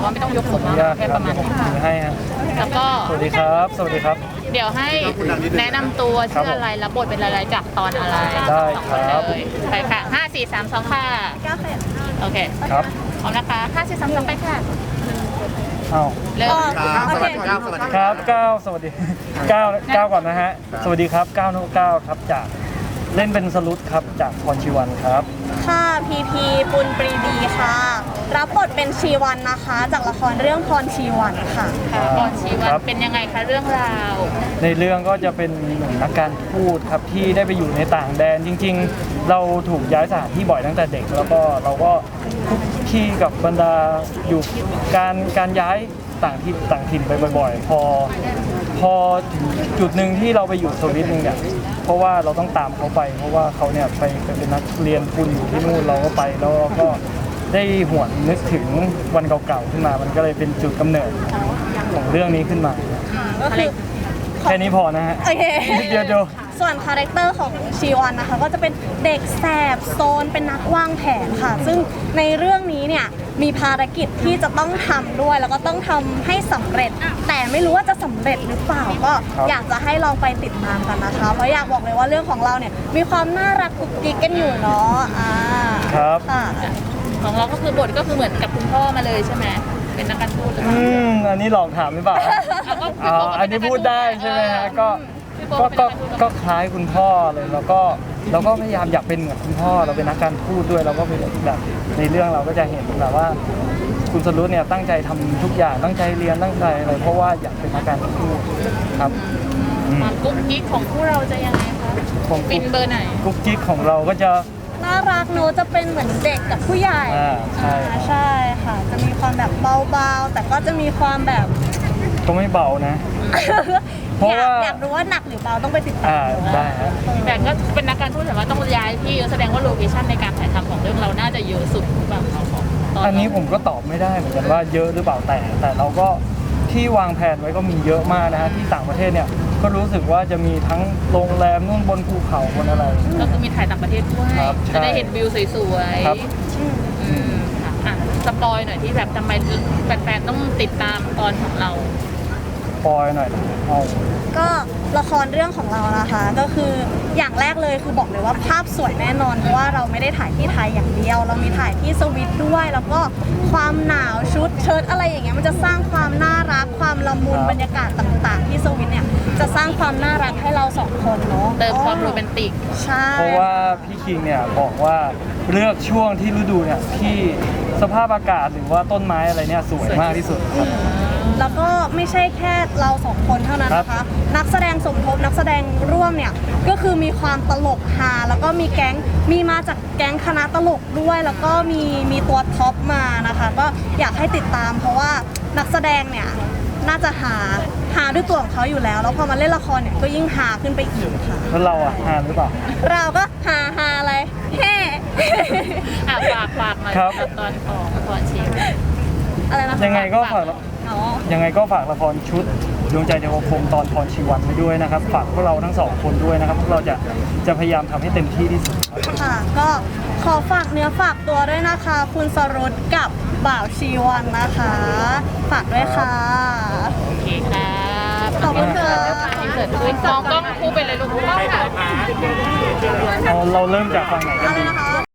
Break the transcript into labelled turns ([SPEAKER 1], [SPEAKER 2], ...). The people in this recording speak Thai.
[SPEAKER 1] ว่าไม่ต้องยกสูงมากแค่ประมาณนี้
[SPEAKER 2] ให้ฮะ
[SPEAKER 1] แล้วก็
[SPEAKER 2] สวัสดีครับสวัสดีครับ
[SPEAKER 1] เดี๋ยวให้แนะนำตัวชื่ออะไรรับบทเป็นอะไรจากตอนอะไร
[SPEAKER 2] ได้ครับ
[SPEAKER 1] เลยไปค่ะ5 4 3 2ค่ะโอเค
[SPEAKER 2] ครับ
[SPEAKER 1] พร้อมนะคะ5 4 3 2ไปค่ะ
[SPEAKER 2] เอา
[SPEAKER 1] เริ่ม
[SPEAKER 3] สวัสดีครับสวัสดี
[SPEAKER 2] ครับ9สวัสดี9ก่อนนะฮะสวัสดีครับ9 9ครับจากเล่นเป็นสรุตครับจากพรชีวันครับ
[SPEAKER 4] ค่ะพีพีปุณปรีดีค่ะรับบทเป็นชีวันนะคะจากละครเรื่องพรชีวันค่ะ
[SPEAKER 1] พรชีวันเป็นยังไงคะเรื่องราว
[SPEAKER 2] ในเรื่องก็จะเป็นหนุ่มนักการทูตครับที่ได้ไปอยู่ในต่างแดนจริงๆเราถูกย้ายสถานที่บ่อยตั้งแต่เด็กแล้วก็เราก็คุกคีกับบรรดาอยู่การย้ายต่างถิ่นไปบ่อยๆพอถึงจุดหนึ่งที่เราไปอยู่สวิตนึงเนี่ยเพราะว่าเราต้องตามเขาไปเพราะว่าเขาเนี่ยไปเป็นนักเรียนทุนอยู่ที่นู่นเราก็ไปแล้วก็ได้หวนนึกถึงวันเก่าๆขึ้นมามันก็เลยเป็นจุดกำเนิดของเรื่องนี้ขึ้นมา
[SPEAKER 4] ก็คือ
[SPEAKER 2] แค่นี้พอนะฮะ
[SPEAKER 4] โอเค
[SPEAKER 2] เดี๋ยว
[SPEAKER 4] ส่วนคาแรคเตอร์ของชีวันนะคะก็จะเป็นเด็กแสบโซนเป็นนักวางแผนค่ะซึ่งในเรื่องนี้เนี่ยมีภารกิจที่จะต้องทำด้วยแล้วก็ต้องทำให้สำเร็จแต่ไม่รู้ว่าจะสำเร็จหรือเปล่าก็อยากจะให้ลองไปติดตามกันนะคะเพราะอยากบอกเลยว่าเรื่องของเราเนี่ยมีความน่ารักกุ๊กกิ๊กกันอยู่เนาะ
[SPEAKER 2] ครับ
[SPEAKER 1] ของเราก็คือบทก็คือเหมือนกับคุณพ่อมาเลยใช่ไหมเป็นนักการทูตหรือเปล่า
[SPEAKER 2] อันนี้ลองถามหรือเปล่าอันนี้พูดได้ใช่ไหมฮะก็คล้ายคุณพ่อเลยแล้วก็พยายามอยากเป็นเหมือนคุณพ่อเราเป็นนักการทูตด้วยเราก็เป็นแบบในเรื่องเราก็จะเห็นแบบว่าคุณสรุตเนี่ยตั้งใจทำทุกอย่างตั้งใจเรียนตั้งใจอะไรเพราะว่าอยากเป็นนักการทูตครับ
[SPEAKER 1] ความกุ๊กกิ๊กของพวกเราจะยังไงคะเป็นเบอร์ไหน
[SPEAKER 2] กุ๊กกิ๊กของเราก็จะ
[SPEAKER 4] น่ารักโนจะเป็นเหมือนเด็กกับผู้ใหญ่ใช่ค่ะจะมีความแบบเบาๆแต่ก็จะมีความแบบ
[SPEAKER 2] ก็ไม่เบานะเพราะว่า
[SPEAKER 4] อยากรู้ว่าหนักหรือเบาต้องไปติดตาม
[SPEAKER 2] ได้ครับ
[SPEAKER 1] แต่ก็เป็นนักการทูตแต่ว่าต้องย้ายที่แสดงว่าโลเคชั่นในการถ่ายทำของเรื่องเราน่าจะเยอะสุดหรือเปล่า
[SPEAKER 2] อันนี้ผมก็ตอบไม่ได้เหมือนกันว่าเยอะหรือเปล่าแต่เราก็ที่วางแผนไว้ก็มีเยอะมากนะฮะที่ต่างประเทศเนี่ยก็รู้สึกว่าจะมีทั้งโรงแรมนู่นบนภูเขาบนอะไร
[SPEAKER 1] ก็คือมีถ่ายต่างประเทศด้วยจะได้เห็นวิวสวยๆสปอยหน่อยที่แบบทำไมแฟนๆต้องติดตามตอนของเรา
[SPEAKER 2] ปอยหน่อย
[SPEAKER 4] ก็ละครเรื่องของเรานะคะก็คืออย่างแรกเลยคือบอกเลยว่าภาพสวยแน่นอนเพราะว่าเราไม่ได้ถ่ายที่ไทยอย่างเดียวเรามีถ่ายที่สวิตด้วยแล้วก็ความหนาวชุดเชิ้ตอะไรอย่างเงี้ยมันจะสร้างความน่ารักความละมุนบรรยากาศต่างๆที่สวิตเนี่ยจะสร้างความน่ารักให้เราสองคนเนาะ
[SPEAKER 1] เติมความโรแมนติก
[SPEAKER 4] ใช่
[SPEAKER 2] เพราะว่าพี่คิงเนี่ยบอกว่าเลือกช่วงที่ฤดูเนี่ยที่สภาพอากาศหรือว่าต้นไม้อะไรเนี่ยสวยมากที่สุด
[SPEAKER 4] แล้วก็ไม่ใช่แค่เราสองคนเท่านั้นนะคะนักแสดงสมทบนักแสดงร่วมเนี่ยก็คือมีความตลกฮาแล้วก็มีมาจากแก๊งคณะตลกด้วยแล้วก็มีตัวท็อปมานะคะก็อยากให้ติดตามเพราะว่านักแสดงเนี่ยน่าจะหาด้วยตัวของเขาอยู่แล้วแล้วพอมาเล่นละครเนี่ยก็ยิ่งหาขึ้นไปอีกค่ะ
[SPEAKER 2] แล้วเราอะหาหรือเปล่า
[SPEAKER 4] เราก็หาอะไรแฮ่
[SPEAKER 1] ฝากหน่อยตอนของตอนชิม
[SPEAKER 4] อะไรนะ
[SPEAKER 2] ยังไงก็ฝากละครชุดดวงใจเทวพรหมตอนพรชีวันไปด้วยนะครับฝากพวกเราทั้งสองคนด้วยนะครับพวกเราจะพยายามทำให้เต็มที่ที่สุด
[SPEAKER 4] ค่ะก็ขอฝากเนื้อฝากตัวด้วยนะคะคุณสรุตกับบ่าวชีวันนะคะฝากด้วยค่ะ
[SPEAKER 1] โอเคค่ะ
[SPEAKER 4] ขอบคุณค่ะ
[SPEAKER 1] เกิดขึ้นมองกล้องคู่ไปเลยลูก
[SPEAKER 2] เราเริ่มจากฝั่งไหนกันดี